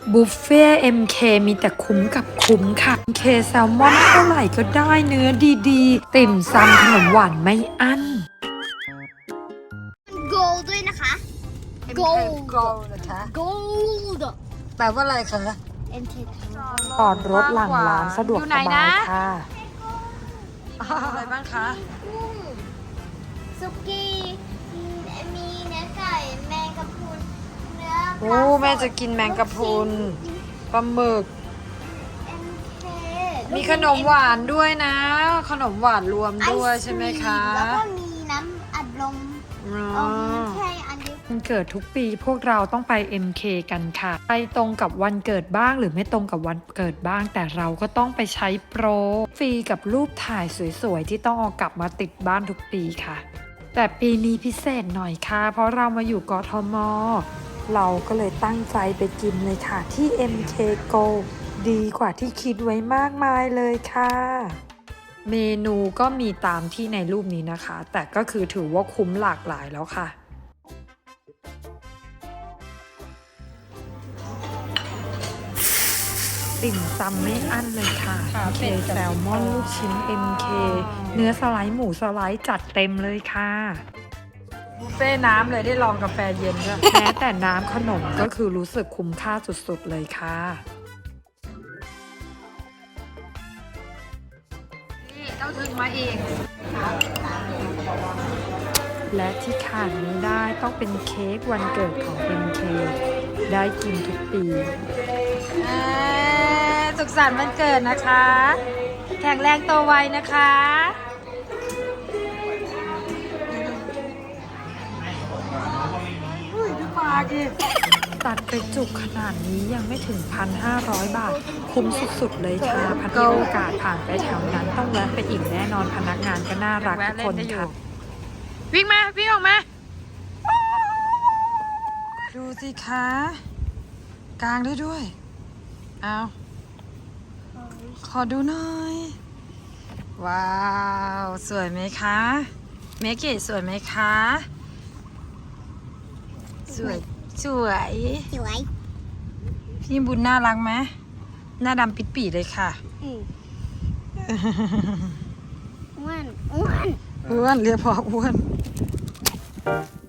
บุฟเฟ่ MK มีแต่คุ้มกับคุ้มค่ะ MK แซลมอนเท่าไหร่ก็ได้เนื้อดีๆ ติ่มซำขนมหวานไม่อั้น gold ด้วยนะคะ Gold นะคะ gold แปลว่าอะไรคะ MK จอดรถหลังร้านสะดวกสบายค่ะอะไรบ้างคะสุกี้มีเนื้อไก่แมงกะพรุนเนื้อโอ้แม่จะกินแมงกะพรุนปลาหมึก MK มีขนมหวานด้วยนะ ขนมหวานรวมด้วยใช่ไหมคะแล้วก็มีน้ำอัดลมอ๋อใช่อันนี้วันเกิดทุกปีพวกเราต้องไป MK กันค่ะ ไปตรงกับวันเกิดบ้างหรือไม่ตรงกับวันเกิดบ้าง แต่เราก็ต้องไปใช้โปรฟรีกับรูปถ่ายสวยๆที่ต้องเอากลับมาติดบ้านทุกปีค่ะ แต่ปีนี้พิเศษหน่อยค่ะ เพราะเรามาอยู่กทม เราก็เลยตั้งใจไปกินเลยค่ะที่ MK Go ดีกว่าที่คิดไว้มากมายเลยค่ะ เมนูก็มีตามที่ในรูปนี้นะคะ แต่ก็คือถือว่าคุ้มหลากหลายแล้วค่ะ ติ่มซำไม่อั้นเลยค่ะ MK แซลมอนลูกชิ้น MK เนื้อสไลด์หมูสไลด์จัดเต็มเลยค่ะ บุฟเฟ่น้ำเลยได้ลองกาแฟเย็นด้วย แม้แต่น้ำขนมก็คือรู้สึกคุ้มค่าสุดๆเลยค่ะนี่ต้องถึงมาอีก และที่ขาดไม่ได้ต้องเป็นเค้กวันเกิดของ MK ได้กินทุกปีสุขสันต์วันเกิดนะคะ แข็งแรงโตไวนะคะดูปากดิตัดไปจุกขนาดนี้ยังไม่ถึง 1,500 บาท คุ้มสุดๆเลยค่ะพันมีโอกาสผ่านไปแถวนั้นต้องแวะไปอีกแน่นอนพนักงานก็น่ารักทุกคนค่ะ วิ่งมา วิ่งออกมา ดูสิคะกลางได้ด้วย เอาขอดูหน่อย ว้าว สวยไหมคะเมกิสวยไหมคะ สวย สวยสวยพี่บุญน่ารักไหมหน้าดำปิดปีเลยค่ะอ้วนอ้วนอ้วนเรียกพออ้วน